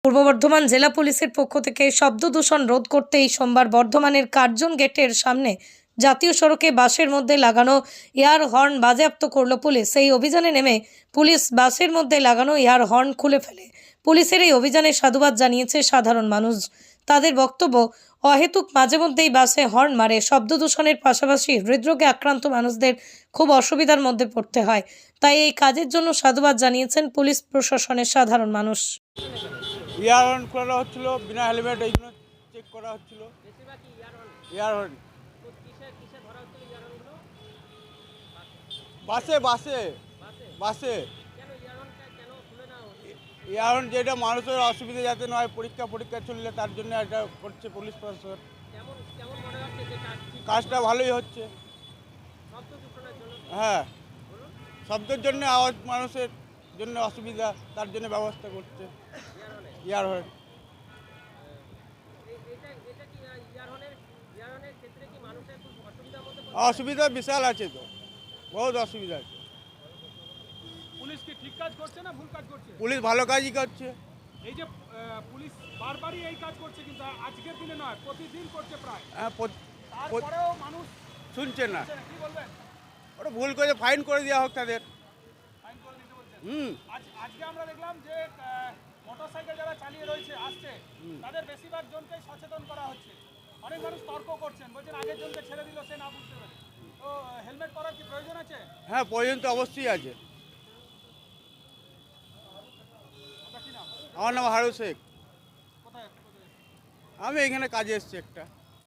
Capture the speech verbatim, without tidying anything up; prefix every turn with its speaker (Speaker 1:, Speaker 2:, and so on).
Speaker 1: পূর্ব বর্ধমান জেলা পুলিশের পক্ষ থেকে শব্দ দূষণ রোধ করতে এই সোমবার বর্ধমানের কার্জন গেটের সামনে জাতীয় সড়কে বাসের মধ্যে লাগানো এয়ার হর্ন বাজেয়াপ্ত করল পুলিশ। এই অভিযানে নেমে পুলিশ বাসের মধ্যে লাগানো এয়ার হর্ন খুলে ফেলে। পুলিশের এই অভিযানে সাধুবাদ জানিয়েছে সাধারণ মানুষ। তাদের বক্তব্য, অহেতুক মাঝে মধ্যেই বাসে হর্ন মারে শব্দ দূষণের পাশাপাশি হৃদরোগে আক্রান্ত মানুষদের খুব অসুবিধার মধ্যে পড়তে হয়। তাই এই কাজের জন্য সাধুবাদ জানিয়েছেন পুলিশ প্রশাসনের সাধারণ মানুষ।
Speaker 2: ইয়ার হর্ন করা হচ্ছিল, বিনা হেলমেট এইগুলো চেক করা হচ্ছিল। ইয়ার হর্ন বাসে বাসে বাসে ইয়ার হর্ন যেটা মানুষের অসুবিধা যাতে নয়, পরীক্ষা পরীক্ষা চললে তার জন্য এটা করছে পুলিশ প্রশাসন। কাজটা ভালোই হচ্ছে। হ্যাঁ, শব্দের জন্য, আওয়াজ মানুষের জন্য অসুবিধা, তার জন্য ব্যবস্থা করছে ইয়ার হর্ন। অসুবিধা বিশাল আছে, তো বহুত অসুবিধা আছে।
Speaker 3: পুলিশ কি ঠিক কাজ করছে না ভুল কাজ করছে?
Speaker 2: পুলিশ ভালো কাজই করছে।
Speaker 3: এই যে পুলিশ বারবারই এই কাজ করছে, কিন্তু আজকের দিনে নয়, প্রতিদিন করছে প্রায়।
Speaker 2: হ্যাঁ,
Speaker 3: তারপরেও মানুষ
Speaker 2: শুনছে না।
Speaker 3: কি বলবেন?
Speaker 2: ওটা ভুল করে ফাইন করে দেওয়া হোক তাদের।
Speaker 3: ফাইন করে দিতে বলছেন?
Speaker 2: হুম
Speaker 3: আজ আজকে আমরা দেখলাম যে মোটরসাইকেল যারা চালিয়ে রয়েছে আসছে, তাদের বেশিরভাগ জনকেই সচেতন করা হচ্ছে। অনেক মানুষ তর্ক করছেন, বলছেন আগের জনকে ছেড়ে দিল, সে না বুঝতে পারে। তো হেলমেট পরার কি প্রয়োজন আছে?
Speaker 2: হ্যাঁ, প্রয়োজন তো অবশ্যই আছে।
Speaker 3: আপনার কি নাম?
Speaker 2: আমার নাম হারু শেখ।
Speaker 3: কোথায়?
Speaker 2: আমি এখানে কাজে এসেছি একটা।